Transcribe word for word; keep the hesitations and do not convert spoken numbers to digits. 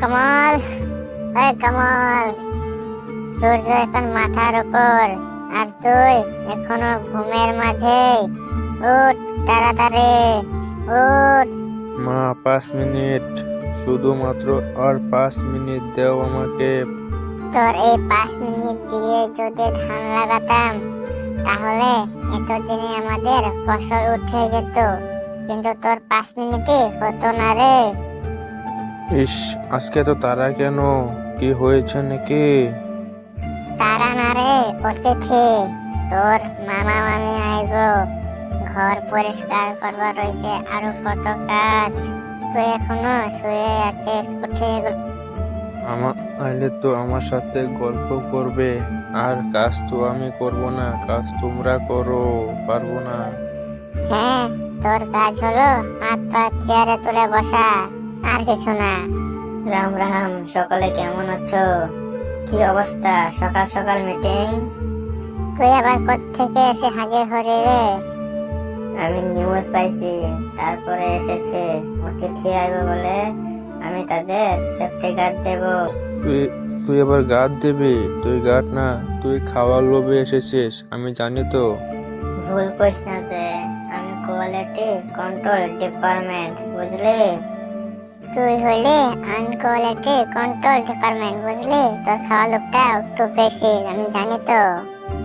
কমল, এই কমল, সূর্য এখন মাথার উপর আর তুই এখনো ঘুমের মাঝেই। উঠ তাড়াতাড়ি, উঠ। মা, পাঁচ মিনিট, শুধুমাত্র আর পাঁচ মিনিট দাও আমাকে। তোর এই পাঁচ মিনিট দিয়ে যদি ধান লাগাতাম তাহলে এতদিনে আমাদের ফসল উঠে যেত, কিন্তু তোর পাঁচ মিনিটে হতো না রে। ইস, আজকে তো তারা কেন? কি হয়েছে নাকি? তারা না রে, অতিথি। তোর মামা মামি আইব, ঘর পরিষ্কার করবার রয়েছে, আরো কত কাজ। তুই এখনো শুয়ে আছিস, উঠে গেল। আমার আইলে তো আমার সাথে গল্প করবে, আর কাজ তো আমি করব না, কাজ তোমরা করো, পারবো না। হ্যাঁ, তোর কাজ হলো হাত পা চেয়ারে তুলে বসা, আর কিছু না। রাম রাম, সকলে কেমন আছো? কি অবস্থা, সকাল সকাল মিটিং? তুই আবার কোত্থেকে এসে হাজির হলি রে? আমি নিউজ পাইছি, তারপরে এসেছে অতিথি আইবে বলে আমি তাদের সেফটি গার্ড দেব। তুই তুই আবার গাদ দেবে? তুই গাদ না, তুই খাওয়ার লোভে এসেছিস, আমি জানি তো। ভুল করিস না যে, আমি কোয়ালিটি কন্ট্রোল ডিপার্টমেন্ট, বুঝলি? তুই হইলে আনকোয়ালিটি কন্ট্রোল ডিপার্টমেন্ট, বুঝলি? তোর খাওয়া লোকটা একটু বেশি, আমি জানি তো।